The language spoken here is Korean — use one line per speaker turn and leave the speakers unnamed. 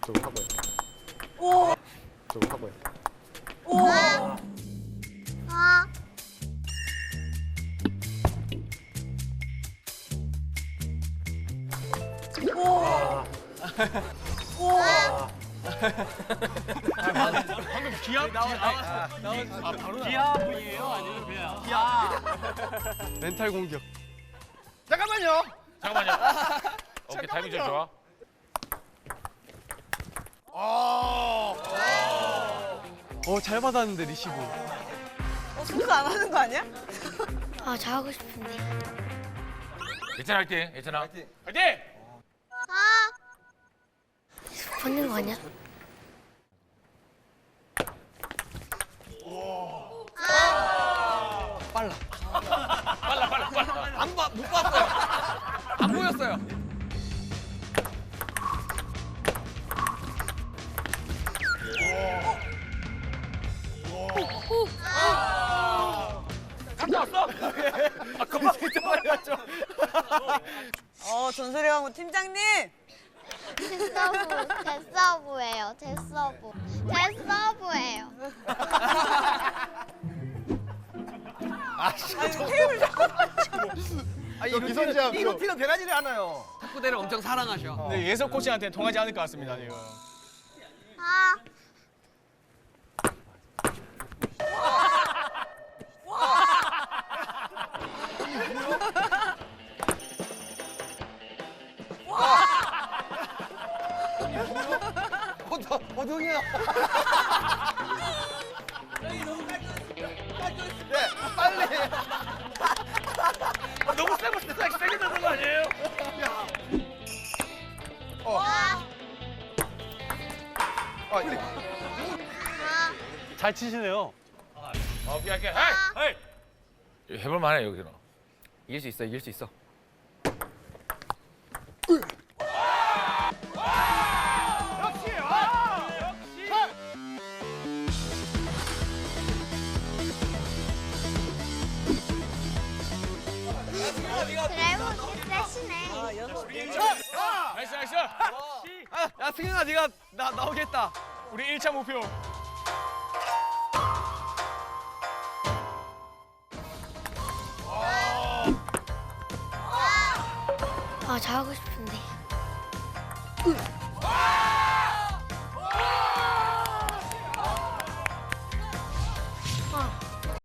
저거 하고요.
오.
저거 하고요.
오.
아.
방금 기합이에요? 아니면 그냥 기합?
멘탈 공격.
잠깐만요.
오케이, 타이밍 좀 좋아.
잘 받았는데 리시브.
순수 안 하는 거 아니야?
아, 잘하고 싶은데.
예찬아 화이팅! 예찬아 화이팅!
아. 받는 거 아니야?
빨라. 못 봤어요. 안 보였어요. 금방 이제 말렸죠.
전설의 왕후 팀장님.
데서브예요. 데서브예요.
아니 테이블 잡고.
이거 기선제압.
이거 피는 변하지를 않아요.
탁구대를 엄청 사랑하셔.
네, 예석 코치한테 통하지 않을 것 같습니다, 지금.
아.
호동이야.
너무 세게 넣는 거 아니에요?
잘 치시네요.
오케이. 헤이! 해볼 만해 여기는.
이길 수 있어, 이길 수 있어.
드라이버 세시네.
나이스.
야, 승현아, 네가 나오겠다.
우리 1차 목표.
아, 잘하고 싶은데.